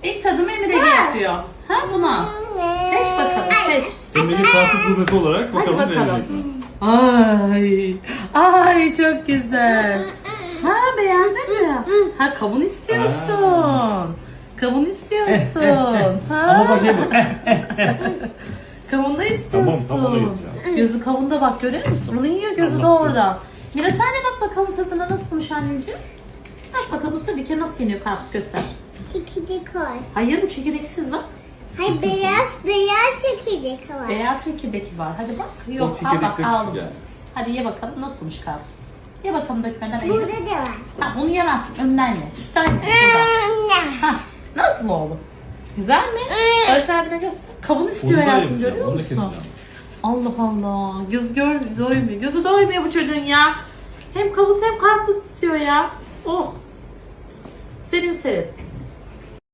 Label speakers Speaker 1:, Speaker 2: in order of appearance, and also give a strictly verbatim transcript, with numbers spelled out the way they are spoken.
Speaker 1: İlk tadımı Emir Ege yapıyor. Ha buna. Seç bakalım seç.
Speaker 2: Emir'in karpuz gurmesi olarak
Speaker 1: Hadi
Speaker 2: bakalım ne
Speaker 1: bakalım.
Speaker 2: yiyecek.
Speaker 1: Ay. Ay çok güzel. Ha beğendin mi? Ha kavun istiyorsun. Kavun istiyorsun. Ha.
Speaker 2: Ama bak şey bu.
Speaker 1: Kavun da istiyorsun.
Speaker 2: Tamam, tamam, onu yiyeceğim.
Speaker 1: Gözü kavunda bak görüyor musun? Onu yiyor gözü de
Speaker 2: Allah
Speaker 1: orada. Mira sen de bak bakalım tadına nasılmış anneciğim. Bak bakalım ısır bir kere nasıl yeniyor karpuz göster.
Speaker 3: Çekirdek var.
Speaker 1: Hayır bu çekirdeksiz bak.
Speaker 3: Hayır beyaz beyaz çekirdek var.
Speaker 1: Beyaz çekirdek var. Hadi bak. Yok
Speaker 2: O
Speaker 1: al bak
Speaker 2: çekirdekler
Speaker 1: aldım.
Speaker 2: küçük yani.
Speaker 1: Hadi ye bakalım nasılmış karpuz. Ye bakalım dökmeden
Speaker 3: Burada
Speaker 1: eğil.
Speaker 3: da var.
Speaker 1: Ha onu yemezsin önden ye. Üstten ye. Buradan. Ha nasıl oldu? Güzel mi? Barış abine göster. Kavun istiyor
Speaker 2: Onu da
Speaker 1: hayatım
Speaker 2: yemeyeceğim,
Speaker 1: görüyor
Speaker 2: onu da
Speaker 1: musun?
Speaker 2: keseceğim.
Speaker 1: Allah Allah. Göz gör doymuyor. Gözü doymuyor bu çocuğun ya. Hem kavun hem karpuz istiyor ya. Oh. Serin serin.